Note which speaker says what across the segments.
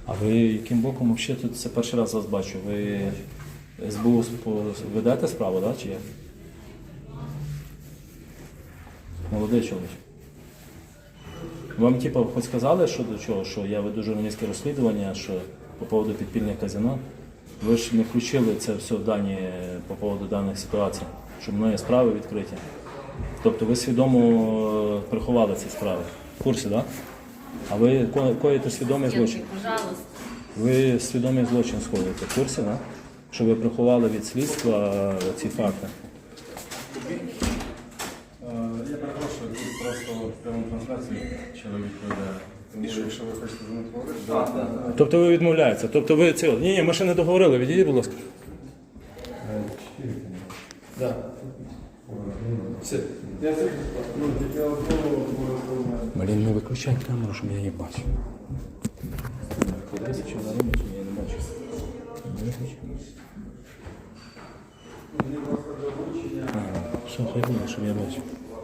Speaker 1: А ви яким боком взагалі тут це перший раз вас бачу? Ви СБУ ведете справу, да, чи як? Молодий чоловік. Вам типу хоч сказали, що до чого, що я веду журналістське розслідування, що по поводу підпільних казино? Ви ж не включили це все в дані по поводу даних ситуацій, що мною справи відкриті. Тобто ви свідомо приховали ці справи. В курсі, так? Да? А ви коїте свідомий злочин? Ви свідомий злочин сходите. В курсі, да? Що ви приховали від слідства ці факти?
Speaker 2: Я перепрошую, тут просто в прямому трансляції чоловік веде. Тому якщо ви хочете з ним говорити, так.
Speaker 1: Тобто ви відмовляєтеся? Тобто ви це... Ні, ми ще не договорили, відійдіть, будь ласка.
Speaker 2: Так. Все. Я це тільки одного
Speaker 1: Блін, не виключай камеру, щоб я її бачив. Кудись що на робить, я не бачу. Що, хай буде, щоб я бачив.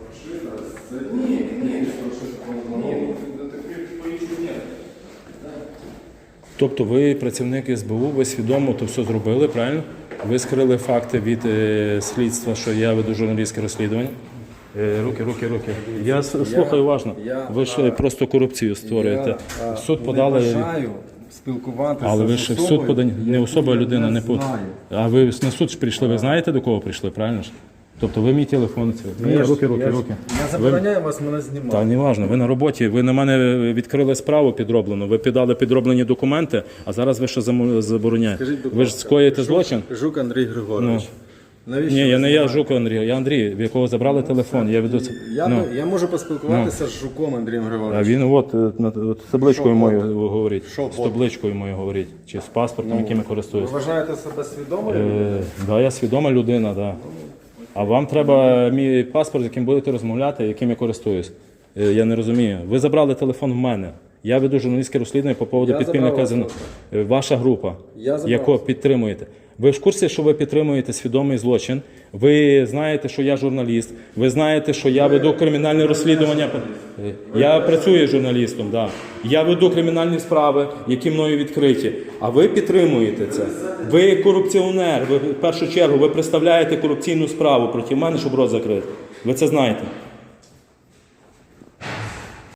Speaker 1: Тобто ви працівник СБУ, ви свідомо то все зробили, правильно? Ви скрили факти від слідства, що я веду журналістське розслідування. Руки. Я слухаю уважно. Ви ж просто корупцію створюєте. В суд подали.
Speaker 2: Не бажаю спілкуватися.
Speaker 1: Але ви ж в суд подані, не особа, а людина, не по. А ви на суд ж прийшли, ви знаєте, до кого прийшли, правильно ж? Тобто ви мій телефон. Руки.
Speaker 2: Я забороняю вас мене знімати.
Speaker 1: Та не важливо, ви на роботі, ви на мене відкрили справу підроблену, ви піддали підроблені документи, а зараз ви що забороняєте? Ви ж скоїте злочин?
Speaker 2: Жук Андрій Григорович.
Speaker 1: Ні, я не я Жук Андрій, я Андрій, в якого забрали телефон. Я веду це.
Speaker 2: Я можу поспілкуватися з Жуком Андрієм
Speaker 1: А
Speaker 2: Григоровичем.
Speaker 1: він от з табличкою моєю говорить. З табличкою моєю говорить. Чи з паспортом, яким я
Speaker 2: Ви
Speaker 1: користуюсь.
Speaker 2: вважаєте себе свідомою?
Speaker 1: Так, я свідома людина, так. А вам треба мій паспорт, з яким будете розмовляти, яким я користуюсь. Я не розумію. Ви забрали телефон в мене. Я веду журналістське розслідування по поводу підпільного казино. Ваша група, яку підтримуєте. Ви в курсі, що ви підтримуєте свідомий злочин. Ви знаєте, що я журналіст. Ви знаєте, що я веду кримінальне розслідування. Я працюю журналістом, так. Я веду кримінальні справи, які мною відкриті. А ви підтримуєте це. Ви корупціонер. Ви, в першу чергу, ви представляєте корупційну справу проти мене, щоб рот закрити. Ви це знаєте.